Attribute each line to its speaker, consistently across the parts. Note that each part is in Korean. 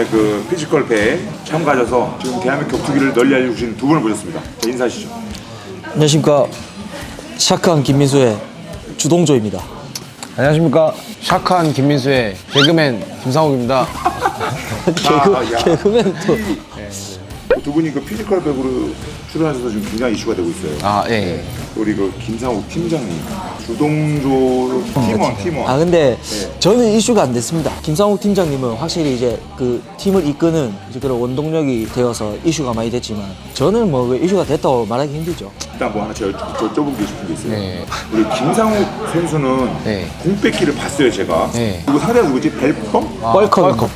Speaker 1: 그 피지컬 배에 참가하셔서 지금 대한민국 격투기를 널리 알려주신 두 분을 모셨습니다. 자, 인사하시죠.
Speaker 2: 안녕하십니까. 샤크한 김민수의 주동조입니다.
Speaker 3: 안녕하십니까. 샤크한 김민수의 개그맨 김상욱입니다.
Speaker 2: 개그맨 또.
Speaker 1: 두 분이 그 피지컬 백으로 출연하셔서 지금 굉장히 이슈가 되고 있어요.
Speaker 3: 아, 예.
Speaker 1: 우리 그 김상욱 팀장님, 주동조 팀원.
Speaker 2: 아 근데 저는 이슈가 안 됐습니다. 김상욱 팀장님은 확실히 이제 그 팀을 이끄는 이제 그런 원동력이 되어서 이슈가 많이 됐지만 저는 뭐 왜 이슈가 됐다고 말하기 힘들죠.
Speaker 1: 일단 뭐 하나 여쭤보고 싶은 게 있어요.
Speaker 3: 네.
Speaker 1: 우리 김상욱 선수는
Speaker 3: 네.
Speaker 1: 공 뺏기를 봤어요, 제가.
Speaker 3: 네.
Speaker 1: 그리고 상대가 누구지? 벨컴?
Speaker 2: 뻘컵.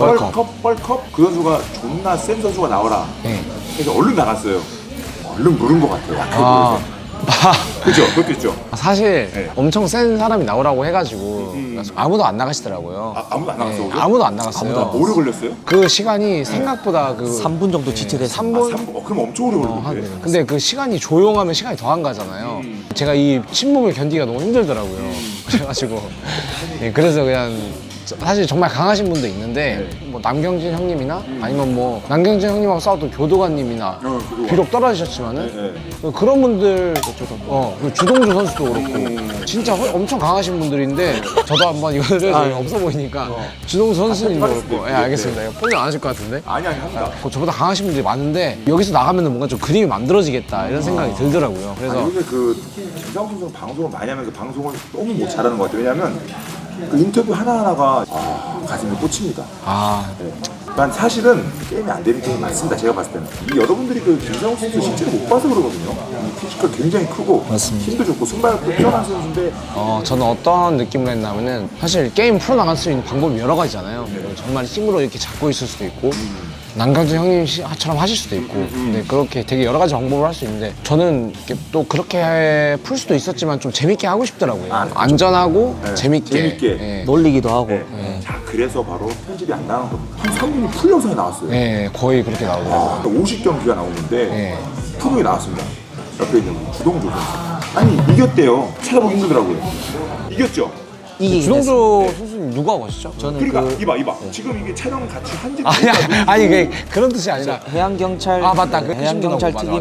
Speaker 1: 뻘컵? 그 선수가 존나 센 선수가 나와라.
Speaker 3: 네.
Speaker 1: 그래서 얼른 나갔어요. 얼른 누른 것 같아요. 약해 보여서. 그죠? 그것도 있죠?
Speaker 3: 사실
Speaker 1: 네.
Speaker 3: 엄청 센 사람이 나오라고 해가지고 아무도 안 나가시더라고요.
Speaker 1: 아무도 안 나갔어,
Speaker 3: 네,
Speaker 1: 오늘?
Speaker 3: 아무도 안 나갔어요.
Speaker 1: 오래 걸렸어요?
Speaker 3: 그 시간이 생각보다 그
Speaker 2: 3분 정도 지체돼서
Speaker 3: 3분?
Speaker 1: 그럼 엄청 오래 걸리는데.
Speaker 3: 근데 그 시간이 조용하면 시간이 더 안 가잖아요. 제가 이 침묵을 견디기가 너무 힘들더라고요. 그래가지고 그래서 그냥 사실 정말 강하신 분도 있는데 뭐 남경진 형님이나 아니면 뭐 남경진 형님하고 싸웠던 교도관님이나
Speaker 1: 교도관.
Speaker 3: 비록 떨어지셨지만은 그런 분들 그 주동주 선수도 그렇고 진짜 엄청 강하신 분들인데 저도 한번 이거를 없어 보이니까 주동주 선수님도 그렇고 예, 알겠습니다. 이거 포기 안 하실 것 같은데
Speaker 1: 아니, 합니다.
Speaker 3: 저보다 강하신 분들이 많은데 여기서 나가면 뭔가 좀 그림이 만들어지겠다 이런 생각이 들더라고요. 그래서
Speaker 1: 요새 그 김상욱 선수는 방송을 많이 하면서 방송을 너무 못 잘하는 것 같아요. 왜냐면 그 인터뷰 하나하나가 가슴에 꽂힙니다. 네. 난 사실은 게임이 안 되는 게임이 많습니다. 제가 봤을 때는. 이 여러분들이 그 김상욱 선수 실제로 못 봐서 그러거든요. 피지컬 굉장히 크고
Speaker 2: 맞습니다.
Speaker 1: 힘도 좋고 순발력도 뛰어난 선수인데
Speaker 3: 저는 어떤 느낌을 했냐면은 사실 게임 풀어나갈 수 있는 방법이 여러 가지잖아요. 정말 힘으로 이렇게 잡고 있을 수도 있고 남강준 형님처럼 하실 수도 있고 근데 그렇게 되게 여러 가지 방법을 할 수 있는데 저는 이렇게 또 그렇게 풀 수도 있었지만 좀 재밌게 하고 싶더라고요. 안전하고 재밌게. 예.
Speaker 2: 놀리기도 하고.
Speaker 1: 자, 그래서 바로 편집이 안 나간 겁니다. 한 3분이 풀 영상이 나왔어요.
Speaker 3: 예, 거의 그렇게 나오더라고요.
Speaker 1: 50경기가 나오는데
Speaker 3: 예.
Speaker 1: 프로에 나왔습니다. 옆에 있는 주동조 선수. 아니, 이겼대요. 찾아보기 힘들더라고요. 이겼죠?
Speaker 2: 이기긴
Speaker 3: 주동조
Speaker 2: 했습니다.
Speaker 3: 선수님 누가 하시죠?
Speaker 2: 저는
Speaker 1: 그러니까
Speaker 2: 그
Speaker 1: 이봐. 지금 이게 촬영 같이 한지
Speaker 3: 아니 그런 뜻이 아니라
Speaker 2: 해양경찰
Speaker 3: 맞다. 그
Speaker 2: 해양경찰
Speaker 3: 맞아.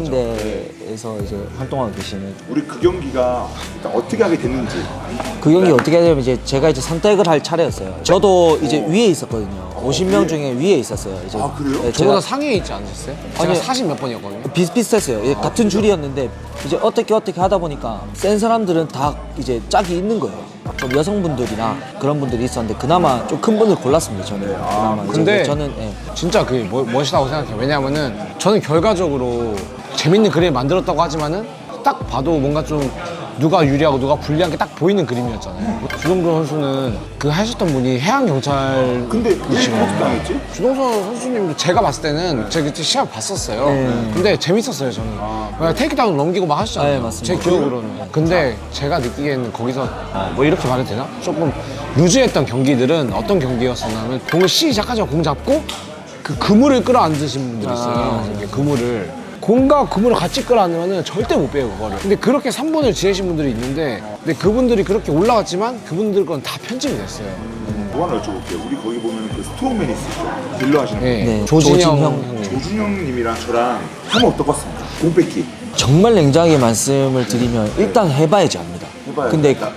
Speaker 2: 특임대에서 이제 활동하고 계시는
Speaker 1: 우리 그 경기가 일단 어떻게 하게 됐는지.
Speaker 2: 그 경기 어떻게 하냐면 이제 제가 이제 선택을 할 차례였어요. 저도 이제 위에 있었거든요. 50명 중에 위에 있었어요. 이제
Speaker 1: 아, 그래요?
Speaker 2: 네,
Speaker 3: 저보다
Speaker 2: 제가
Speaker 3: 상위에 있지 않으셨어요? 제가
Speaker 2: 아니,
Speaker 3: 40 몇 번이었거든요.
Speaker 2: 비슷비슷했어요. 이제 같은 줄이었는데 이제 어떻게 하다 보니까 센 사람들은 다 이제 짝이 있는 거예요. 좀 여성분들이나 그런 분들이 있었는데 그나마 좀 큰 분을 골랐습니다. 저는. 그나마 이제
Speaker 3: 근데
Speaker 2: 저는
Speaker 3: 진짜 그게 멋있다고 생각해요. 왜냐하면은 저는 결과적으로 재밌는 그림을 만들었다고 하지만은 딱 봐도 뭔가 좀 누가 유리하고 누가 불리한 게 딱 보이는 그림이었잖아요. 주동조 선수는 그 하셨던 분이 해양경찰
Speaker 1: 근데 왜 그렇게 당했지?
Speaker 3: 주동조 선수님도 제가 봤을 때는 제가 그때 시합 봤었어요. 근데 재밌었어요, 저는. 그냥 테이크다운 넘기고 막 하시잖아요.
Speaker 2: 네, 맞습니다.
Speaker 3: 제 기억으로는. 근데 제가 느끼기에는 거기서 뭐 이렇게 말해도 되나? 조금 루즈했던 경기들은 어떤 경기였었냐면 공을 시작하자마자 공 잡고 그 그물을 끌어안으신 분들이 있어요. 이렇게 그물을. 공과 그물을 같이 끌어안으면 절대 못 빼요, 그거를. 근데 그렇게 3분을 지내신 분들이 있는데 근데 그분들이 그렇게 올라갔지만 그분들 건 다 편집이 됐어요.
Speaker 1: 뭐 하나 여쭤볼게요. 우리 거기 보면 그 스트롱맨이 있으시죠? 딜러 하시는 분.
Speaker 2: 네,
Speaker 3: 조진영
Speaker 2: 조진형.
Speaker 3: 형님.
Speaker 1: 조준영님이랑 저랑 하면 어떻겠습니까? 공 뺏기.
Speaker 2: 정말 냉정하게 말씀을 드리면 일단 해봐야지 압니다.
Speaker 1: 해봐요.
Speaker 2: 근데
Speaker 1: 일단,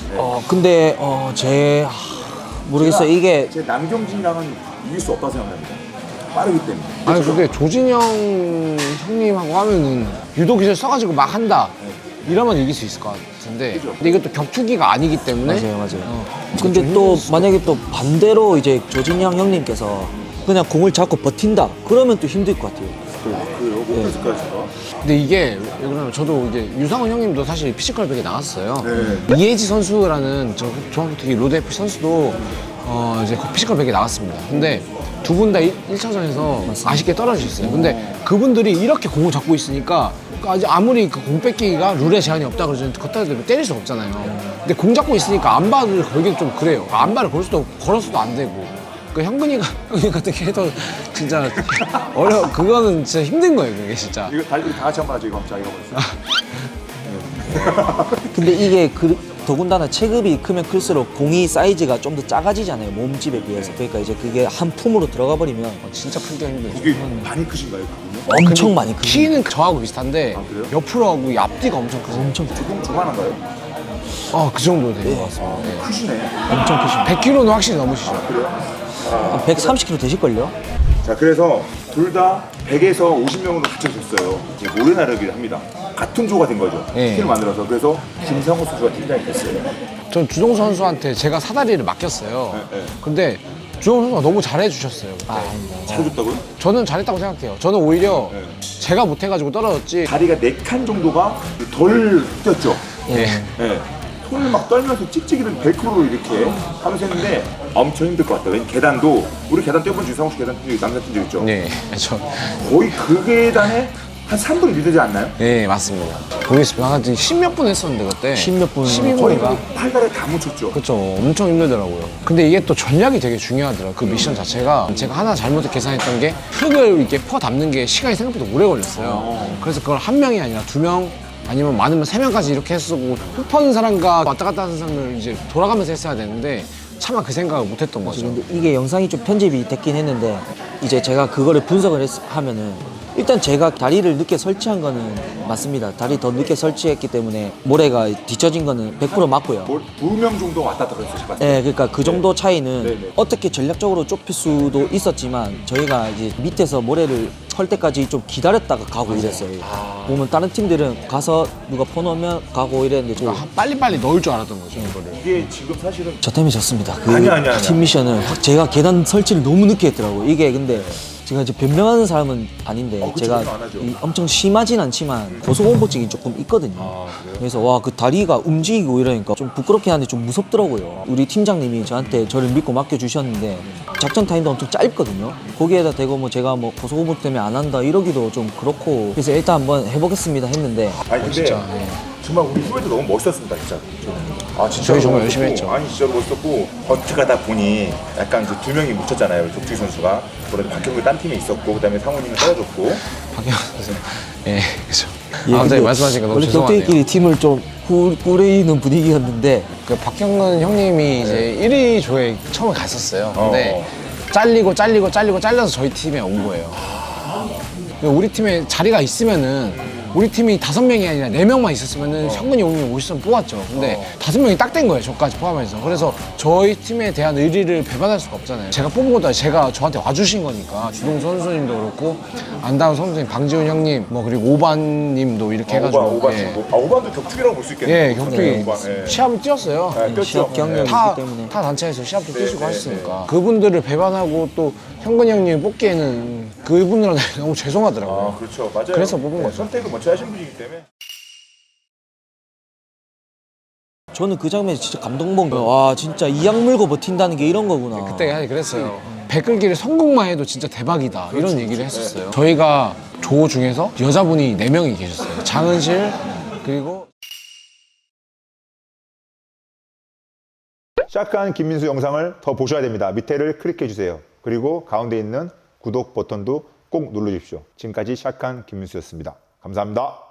Speaker 2: 모르겠어요. 이게
Speaker 1: 제 남경진이랑은 이길 수 없다고 생각합니다. 빠르기 때문에.
Speaker 3: 아니 근데 조진영 형님하고 하면은 유도 기술 써가지고 막 한다 이러면 이길 수 있을 것 같은데 근데 이것도 격투기가 아니기 때문에
Speaker 2: 맞아요. 근데 또 만약에 또 반대로 이제 조진영 형님께서 그냥 공을 잡고 버틴다 그러면 또 힘들 것 같아요.
Speaker 1: 그래요? 못 뺏을까요, 제가?
Speaker 3: 근데 이게 왜 그러냐면 저도 이제 유상훈 형님도 사실 피지컬 백에 나갔어요.
Speaker 1: 네.
Speaker 3: 이혜지 선수라는 저 중앙격투기 로드 FC 선수도 이제 피지컬 백에 나갔습니다. 근데 두 분 다 1차전에서 아쉽게 떨어지셨어요. 근데 그분들이 이렇게 공을 잡고 있으니까 아무리 그 공 뺏기가 룰에 제한이 없다 그러지만 걷다 대면 때릴 수 없잖아요. 근데 공 잡고 있으니까 안바를 걸기는 좀 그래요. 안바를 걸었어도 안 되고. 그 형근이 같은 캐릭터 진짜 그거는 진짜 힘든 거예요, 그게 진짜.
Speaker 1: 이거 우리 다 같이 한번 하죠, 이거. 자, 이거 보세요.
Speaker 2: 근데 이게 더군다나 체급이 크면 클수록 공이 사이즈가 좀 더 작아지잖아요. 몸집에 비해서. 그러니까 이제 그게 한 품으로 들어가 버리면
Speaker 3: 진짜 크기가 힘들죠.
Speaker 1: 이게 많이 크신가요, 그분은?
Speaker 2: 엄청 많이 크죠.
Speaker 3: 키는 저하고 비슷한데
Speaker 1: 그래요?
Speaker 3: 옆으로 하고 이 앞뒤가 엄청 크세요.
Speaker 2: 엄청
Speaker 1: 조금 조만한가요?
Speaker 3: 그 정도 되는 것 같습니다. 네.
Speaker 1: 크시네.
Speaker 2: 엄청 크십니다.
Speaker 3: 100kg는 확실히 넘으시죠.
Speaker 1: 그래요?
Speaker 2: 130kg 되실걸요?
Speaker 1: 자, 그래서 둘 다 100에서 50명으로 합쳐졌어요. 이제 모래 나르기를 합니다. 같은 조가 된 거죠.
Speaker 3: 네.
Speaker 1: 팀을 만들어서. 그래서 김상호 선수가 팀장이 됐어요.
Speaker 3: 전 주동 선수한테 제가 사다리를 맡겼어요.
Speaker 1: 네.
Speaker 3: 근데 주동 선수가 너무 잘해주셨어요. 그때.
Speaker 1: 잘해줬다고요?
Speaker 3: 저는 잘했다고 생각해요. 저는 오히려
Speaker 1: 네.
Speaker 3: 제가 못해가지고 떨어졌지.
Speaker 1: 다리가 4칸 정도가 덜 뛰었죠.
Speaker 3: 예.
Speaker 1: 네. 손을 막 떨면서 찍찍이를 벨크로로 이렇게 하면서 했는데 엄청 힘들 것 같아요. 왜냐면 계단도 우리 계단 뛰어본 주상호 씨 계단 뛴 적, 남자 뛴적 있죠?
Speaker 3: 네, 저,
Speaker 1: 거의 그 계단에 한 3분이 늦지 않나요?
Speaker 3: 네, 맞습니다. 모르겠습니다. 한 10몇 분 했었는데 그때.
Speaker 2: 10몇 분.
Speaker 3: 12분인가?
Speaker 1: 팔다리에 다 묻혔죠.
Speaker 3: 그렇죠. 엄청 힘들더라고요. 근데 이게 또 전략이 되게 중요하더라고요. 그 미션 자체가 제가 하나 잘못 계산했던 게 흙을 이렇게 퍼 담는 게 시간이 생각보다 오래 걸렸어요. 그래서 그걸 한 명이 아니라 2명 아니면 많으면 3명까지 이렇게 했었고 흙 퍼는 사람과 왔다 갔다 하는 사람을 이제 돌아가면서 했어야 되는데 차마 그 생각을 못 했던 거죠.
Speaker 2: 근데 이게 영상이 좀 편집이 됐긴 했는데 이제 제가 그거를 분석을 하면은 일단 제가 다리를 늦게 설치한 거는 맞습니다. 다리 더 늦게 설치했기 때문에 모래가 뒤처진 거는 100% 맞고요.
Speaker 1: 2명 정도 왔다 갔다 그랬어요. 제가.
Speaker 2: 네, 그러니까 그 정도 차이는
Speaker 1: 네, 네.
Speaker 2: 어떻게 전략적으로 좁힐 수도 있었지만 저희가 이제 밑에서 모래를 펄 때까지 좀 기다렸다가 가고 이랬어요. 보면 다른 팀들은 가서 누가 퍼놓으면 가고 이랬는데
Speaker 3: 빨리빨리 넣을 줄 알았던 거죠, 이거를.
Speaker 1: 이게 지금 사실은
Speaker 2: 저 때문에 졌습니다. 그
Speaker 1: 아니야.
Speaker 2: 팀 미션은 제가 계단 설치를 너무 늦게 했더라고요. 이게 근데 제가 이제 변명하는 사람은 아닌데
Speaker 1: 그쵸,
Speaker 2: 제가
Speaker 1: 변명 안 하죠.
Speaker 2: 엄청 심하진 않지만 고소공포증이 조금 있거든요. 그래서 와 그 다리가 움직이고 이러니까 좀 부끄럽긴 한데 좀 무섭더라고요. 우리 팀장님이 저한테 저를 믿고 맡겨주셨는데 작전 타임도 엄청 짧거든요. 거기에다 대고 뭐 제가 뭐 고소공포증 때문에 안 한다 이러기도 좀 그렇고 그래서 일단 한번 해보겠습니다 했는데
Speaker 1: 아니 근데
Speaker 3: 진짜, 예.
Speaker 1: 정말 우리 후배도 너무 멋있었습니다 진짜. 아 진짜
Speaker 3: 저희 정말
Speaker 1: 너무
Speaker 3: 열심히
Speaker 1: 멋있고,
Speaker 3: 했죠.
Speaker 1: 아니 진짜로 멋있었고 버트가다 보니 약간 이제 2명이 묻혔잖아요. 족주희 선수가. 그런데 박형규 딴 팀에 있었고 그다음에 상훈이는 떨어졌고.
Speaker 3: 박영환 선수. 예, 그죠.
Speaker 2: 예,
Speaker 3: 갑자기
Speaker 2: 근데
Speaker 3: 말씀하시니까 너무
Speaker 2: 원래
Speaker 3: 죄송하네요.
Speaker 2: 격투기끼리 팀을 좀 꾸리는 분위기였는데
Speaker 3: 그 박형근 형님이 이제 1위 조에 처음에 갔었어요. 근데 잘려서 저희 팀에 온 거예요. 우리 팀에 자리가 있으면은 우리 팀이 5명이 아니라 4명만 있었으면은 형근이 형님이 오시면 뽑았죠. 근데 5명이 딱 된 거예요. 저까지 포함해서. 그래서 저희 팀에 대한 의리를 배반할 수가 없잖아요. 제가 뽑은 것도 아니고 제가 저한테 와주신 거니까 주동 선수님도 그렇고 안다운 선수님, 방지훈 형님, 뭐 그리고 오반님도 이렇게 해가지고
Speaker 1: 오반
Speaker 3: 예.
Speaker 1: 친구. 아 오반도 격투기라고 볼 수 있겠네요.
Speaker 3: 예, 격투기
Speaker 1: 오반, 예.
Speaker 3: 시합을 뛰었어요.
Speaker 1: 네, 뛰었죠.
Speaker 2: 시합 경력이
Speaker 3: 타
Speaker 2: 있기 때문에
Speaker 3: 단체에서 시합도
Speaker 1: 네,
Speaker 3: 뛰시고
Speaker 1: 네,
Speaker 3: 하셨으니까 그분들을 배반하고 또 형근이 형님 뽑기에는 그분들한테 너무 죄송하더라고요.
Speaker 1: 아 그렇죠. 맞아요.
Speaker 3: 그래서 뽑은 거죠.
Speaker 1: 선택을 먼저 하신 분이기 때문에.
Speaker 2: 저는 그 장면이 진짜 감동본 거예요. 와 진짜 이악 물고 버틴다는 게 이런 거구나.
Speaker 3: 그때 사실 그랬어요. 배끌기를 성공만 해도 진짜 대박이다 이런 얘기를 했었어요. 저희가 조 중에서 여자분이 4명이 계셨어요. 장은실 그리고
Speaker 4: 샷간 김민수 영상을 더 보셔야 됩니다. 밑에를 클릭해 주세요. 그리고 가운데 있는 구독 버튼도 꼭 눌러주십시오. 지금까지 샷간 김민수였습니다. 감사합니다.